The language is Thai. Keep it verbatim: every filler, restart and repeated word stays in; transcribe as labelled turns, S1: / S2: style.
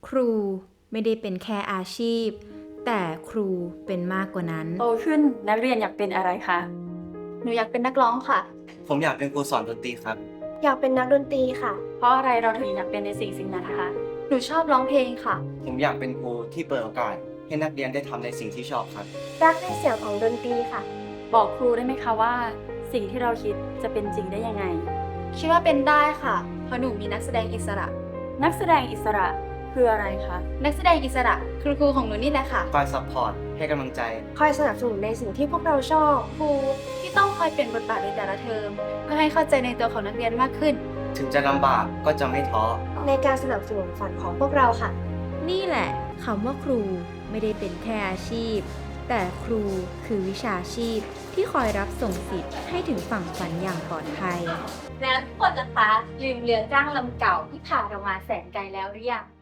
S1: ครูไม่ได้เป็นแค่อาชีพแต่ครูเป็นมากกว่านั้น
S2: โตขึ้นนักเรียนอยากเป็นอะไรคะ
S3: หนูอยากเป็นนักร้องค่ะ
S4: ผมอยากเป็นครูสอนดนตรีครับ
S3: อยากเป็นนักดนตรีค่ะ
S2: เพราะอะไรเราถึงอยากเป็นในสิ่งสิ่งนั้นคะ
S3: หนูชอบร้องเพลงค่ะ
S4: ผมอยากเป็นครูที่เปิดโอกาส ให้นักเรียนได้ทำในสิ่งที่ชอบครับ
S3: รักในเสียงของดนตรีค่ะ
S2: บอกครูได้ไหมคะว่า สิ่งที่เราคิดจะเป็นจริงได้ยังไง
S3: คิดว่าเป็นได้ค่ะ เพราะหนูมีนักแสดงอิสระ
S2: นักแสดงอิสระคืออะไรคะ
S3: นักแสดงอิสระคือครูของหนูนี่แหละค่ะ
S4: คอยซัพพอร์ต ให้กำลังใจ
S3: คอยสนับสนุนในสิ่งที่พวกเราชอบ ครูที่ต้องคอยเปลี่ยนบทบาทในแต่ละเทอมเพื่อให้เข้าใจในตัวของนักเรียนมากขึ้น
S4: ถึงจะลำบากก็จะไม่ท้อ
S3: ในการสนับสนุนฝันของพวกเราค่ะ
S1: นี่แหละคำว่าครูไม่ได้เป็นแค่อาชีพ แต่ครูคือวิชาชีพที่คอยรับส่งสิทธิ์ให้ถึงฝั่งฝันอย่างปลอดภัย
S5: แล้วทุกคนนะคะลืมเรือจ้างลำเก่าที่พาเรามาแสนไกลแล้วหรือยัง